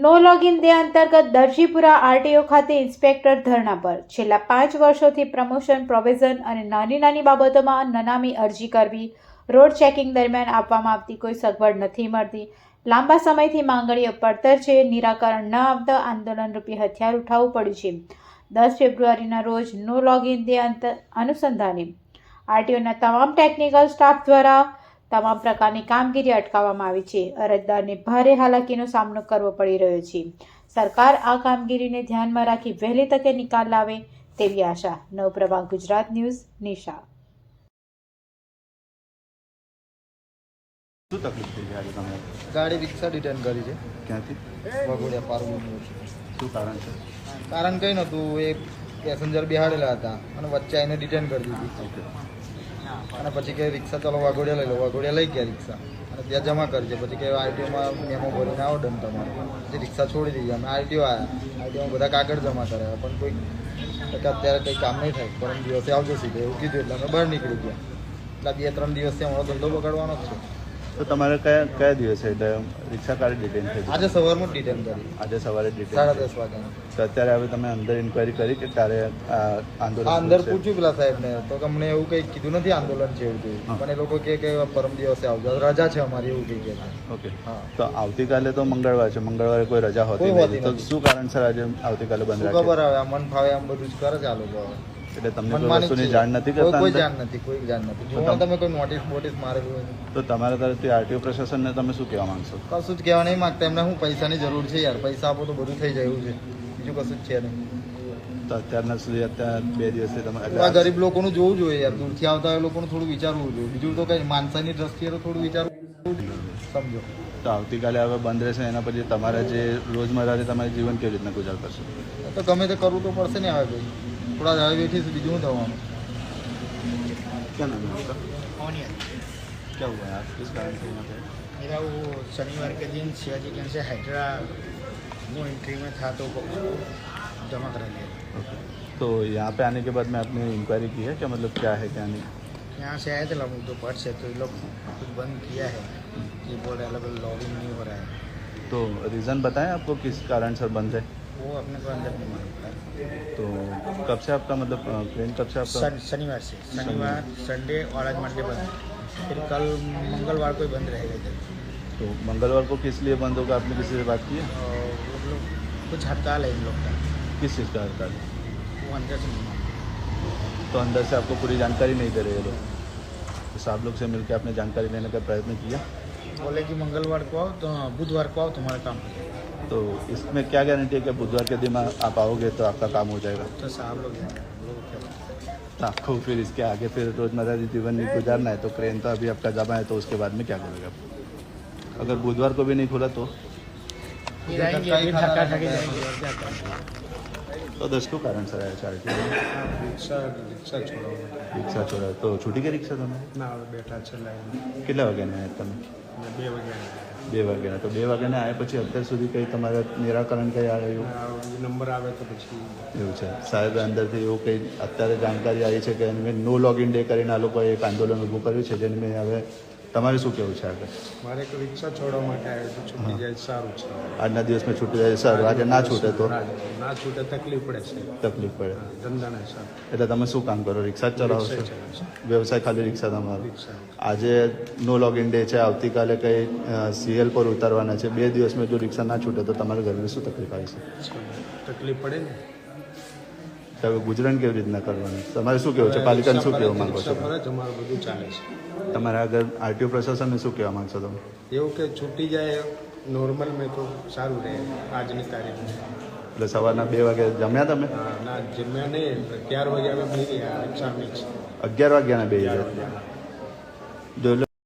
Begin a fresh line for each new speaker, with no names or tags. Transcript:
નો login day અંતર્ગત Darjipura RTO ખાતે inspector ધરણા પર છેલ્લા 5 વર્ષોથી પ્રમોશન પ્રોવિઝન અને નાની બાબતોમાં નનામી અરજી કરવી, રોડ ચેકિંગ દરમિયાન આપવામાં આવતી કોઈ સગવડ નથી મળતી, લાંબા સમયથી માંગણીઓ પડતર છે, નિરાકરણ ન આવતા આંદોલનરૂપી હથિયાર ઉઠાવવું પડ્યું છે। 10 ફેબ્રુઆરીના રોજ નો લોગિન ડે અનુસંધાને આરટીઓના તમામ ટેકનિકલ સ્ટાફ દ્વારા તમામ પ્રકારની કામગીરી અટકાવવામાં આવી છે। અરજદારને ભારે હાલાકીનો સામનો કરવો પડી રહ્યો છે। સરકાર આ કામગીરીને ધ્યાનમાં રાખી વહેલી તકે નિકાલ લાવે તેવી આશા। નવપ્રભા ગુજરાત ન્યૂઝ, નિશા।
શું તકલીફ થઈ આજે તમને?
ગાડી રિક્ષા ડિટેન કરી છે
ક્યાંથી?
વઘોડિયા પારુલ યુનિવર્સિટી।
શું કારણ છે?
કારણ કંઈ નહોતું, એ પેસેન્જર બેહાડેલા હતા અને વચ્ચે આવીને ડિટેન કરી દીધી।
ઓકે,
અને પછી કે રિક્ષા ચાલો વાઘોડિયા લઈ લો, વાઘોડિયા લઈ ગયા રિક્ષા અને ત્યાં જમા કરજે। પછી કે આરટીઓમાં મેમો ભરીને આવો ડન તમારે, પછી રિક્ષા છોડી દીધી। અમે આરટીઓ આવ્યા, આરટીઓમાં બધા કાગળ જમા કર્યા, પણ કોઈ અત્યારે કંઈ કામ નહીં થાય, પરમ દિવસે આવજો સીધે એવું કીધું એટલે અમે બહાર નીકળી ગયા। એટલે 2-3 દિવસથી અમારો ધંધો બગાડવાનો જ છે।
તો તમારે કયા દિવસે એટલે રિક્ષા કાઢી ડિટેન થઈ?
આજે સવારમાં જ ડિટેન કરી,
આજે સવારે ડિટેન
10:30 વાગ્યાની।
તો અત્યારે હવે તમે અંદર ઇન્ક્વાયરી કરી કે ત્યારે આંદોલન
અંદર પૂછ્યું પેલા સાહેબને તો કે અમને એવું કંઈ કીધું નથી આંદોલન છે એવું કંઈ, પણ એ લોકો કે પરમ દિવસે આવજો, રજા છે અમારી એવું કંઈ કહે છે।
ઓકે,
હા,
તો આવતીકાલે તો મંગળવાર છે, મંગળવારે કોઈ રજા હોતી નથી, તો શું કારણસર આજે આવતીકાલે બંધ
શું
રાખે?
ખબર આવે, આ મન ફાવે આમ બધું જ કરે છે આ લોકો।
એટલે તમને કોઈ વસ્તુની જાણ નથી કરતા?
કોઈ જાણ નથી, કોઈ જાણ નથી। જો તમે કોઈ નોટિસ મારેલું હોય
તો તમારા તરફથી આરટીઓ પ્રશાસનને તમે શું કહેવા માંગશો?
કશું જ કહેવા નહીં માંગતા, એમને હું પૈસાની જરૂર છે યાર, પૈસા આપો તો બધું થઈ જાય એવું છે, બીજું કશું જ છે નહીં।
તો અત્યારના સુધી અત્યારે 2 દિવસથી તમે
આ ગરીબ લોકોનું જોવું જોઈએ યાર, દૂરથી આવતા હોય લોકોનું થોડું વિચારવું જોઈએ, બીજું તો કઈ માણસાની દ્રષ્ટિએ તો થોડું વિચારવું સમજો।
તો આવતીકાલે હવે બંધ રહેશે, એના પછી તમારા જે રોજમર્રાથી તમારું જીવન કેવી રીતના ગુજાર કરશો?
તો ગમે તે કરવું તો પડશે ને હવે ભાઈ, થોડા હવે બેઠીશું, બીજું શું થવાનું।
क्या नाम है आपका? क्या हुआ है आज, किस कारण से यहाँ पे?
मेरा वो शनिवार के दिन शिवाजी गंज से हैदरा वो एंट्री में था तो उसको जमा करा लिया।
ओके, तो यहाँ पे आने के बाद में आपने इंक्वायरी की है क्या, मतलब क्या है क्या नहीं?
यहाँ से आए थे लोग तो पर्स है तो ये लोग कुछ बंद किया है, ये बोल रहे अलग लॉगिन नहीं हो रहा है,
तो रीज़न बताएं आपको किस कारण से बंद है?
वो अपने को अंदर नहीं मालूम था।
तो कब से आपका मतलब ट्रेन कब से आपका?
शनिवार से, शनिवार संडे और आज मंडे बंद, फिर कल मंगलवार को ही बंद रहेगा इधर।
तो मंगलवार को किस लिए बंद होगा, आपने किसी से बात की है?
और वो लोग कुछ हड़ताल है इन लोग का,
किस चीज़ का हड़ताल है?
वो अंदर से नहीं मालूम।
तो अंदर से आपको पूरी जानकारी नहीं दे रहे ये लोग? तो साहब लोग से मिलकर आपने जानकारी लेने का प्रयत्न किया?
बोले कि मंगलवार को आओ तो बुधवार को आओ तुम्हारा काम हो जाएगा।
तो इसमें क्या गारंटी है कि बुधवार के दिन आप आओगे तो आपका काम हो जाएगा?
तो साहब लोग हैं, हम लोग क्या बताएं।
तो आपको फिर इसके आगे फिर रोजमर्रा जीवन नहीं गुजारना है, तो क्रेन तो अभी आपका जमा है, तो उसके बाद में क्या करोगे आप? अगर बुधवार को भी नहीं खुला तो?
फिर आएंगे, फिर धक्का धक्की जाएंगे और क्या करेंगे।
तो 10 को कारण सर आया चार्टी
रिक्शा छोड़ो
रिक्शा छोड़ा तो छूटी गई रिक्शा તમે?
ના બેઠા છે લાઈન
કેટલા વાગ્યાના આવ્યા તમે?
2 વાગ્યા
2 વાગ્યાના, તો 2 વાગ્યાના આવ્યા પછી અત્યાર સુધી કંઈ તમારા નિરાકરણ કંઈ આવ્યું
નંબર આવે તો પછી
એવું છે? સાહેબ અંદરથી એવું કંઈ અત્યારે જાણકારી આવી છે કે મેં નો લોગિન ડે કરીને આ લોકોએ એક આંદોલન ઊભું કર્યું છે, જેને મેં હવે તમારે શું કહેવું છે આગળ?
મારે એક રિક્ષા છોડવા માટે આવ્યો તો છૂટી જાય સારું છે,
આજના દિવસમાં છૂટી જાય સર, આજે ના છૂટે તો
ના છૂટે તકલીફ પડે છે,
તકલીફ પડે,
ધંધાના સર
એટલે તમે શું કામ કરો? રિક્ષા જ ચલાવો છો? વ્યવસાય ખાલી રિક્ષા તમારો?
રિક્ષા
આજે નો લોગિન ડે છે, આવતીકાલે કંઈ સીએલ પર ઉતારવાના છે, 2 દિવસમાં જો રિક્ષા ના છૂટે તો તમારા ઘરને શું તકલીફ આવી છે?
તકલીફ પડે ને,
તો હવે ગુજરાન કેવી રીતના કરવાનું? તમારે શું કહેવું છે? પાલિકાને શું કહેવા માંગો છો?
ફરજ અમારું બધું ચાલે છે।
તમારે આગળ આરટીઓ પ્રશાસનને શું કહેવા માંગશો તમે?
એવું કે છૂટી જાય નોર્મલ મેં તો સારું રહે આજની તારીખમાં।
એટલે સવારના 2 વાગે જમ્યા તમે?
ના જમ્યા નહીં, 11 વાગે અમે બેસી ગયા રિક્ષા મિક્સ
11 વાગ્યાના 2 જો